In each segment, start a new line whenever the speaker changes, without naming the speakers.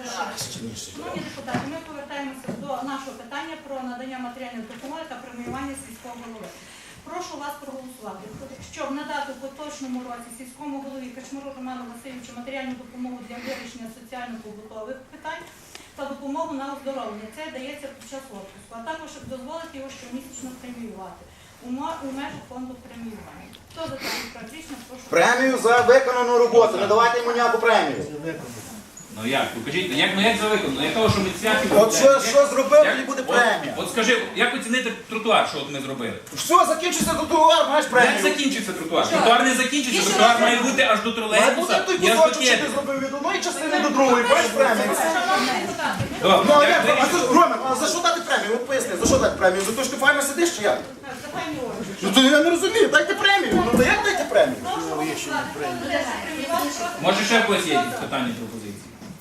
Шановні депутати, ми повертаємося до нашого питання про надання матеріальної допомоги та преміювання сільського голови. Прошу вас проголосувати, щоб надати в поточному році сільському голові Качмару Роману Васильовичу матеріальну допомогу для вирішення соціально-побутових питань та допомогу на оздоровлення. Це дається під час відпуску, а також дозволити його щомісячно преміювати у межах фонду преміювання. Хто за таке практично, прошу.
Премію за виконану роботу, не давайте йому ніяку премію.
Ну як? Покажіть, як за виконано? Я кажу, що ми святі...
От що зробив, тоді буде премія.
От скажи, як оцінити тротуар, що от ми зробили?
Все, закінчиться тротуар, маєш
Як
премію.
закінчиться тротуар? Тротуар не закінчиться, тротуар має бути аж до
Має бути
тролейбуса
той
і аж до
кусочок, що
кеди.
ти зробив від одної частини до другої, маєш премію.
Шановні депутати,
Добре,
Ну, а
як
як?
ви-
А за, Роман, а за що дати премію? От поясни, за що дати премію? За те, що ти файно сидиш чи як?
Захайні органи.
Ну то я не розумію, дайте премію. Ну то як дайте премію?
Прошу голосувати. Хто за те, що преміювати, прошу.
Може ще в когось є якісь питання, пропозиції?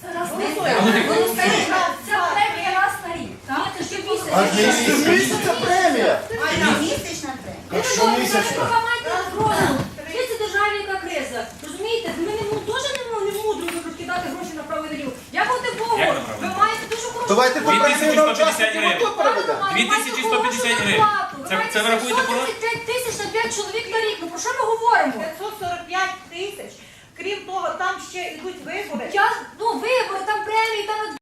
Це премія раз на рік. Це щомісяця.
А місяця премія.
Місячна премія.
Якщо місячна. Це державі яка криза. Розумієте, ми теж не мудро розкидати гроші направо і наліво. Дякувати Богу,
Як направо?
ви маєте дуже хорошу
Давайте ту премію на
2150
учасників
гривень.
АТО переведемо.
2150 гривень. Це ви рахуєте по року?
5 тисяч на 5 чоловік на рік. Ну про що ми говоримо?
545 тисяч. Крім того, там ще йдуть вибори.
Вибори, там премії, там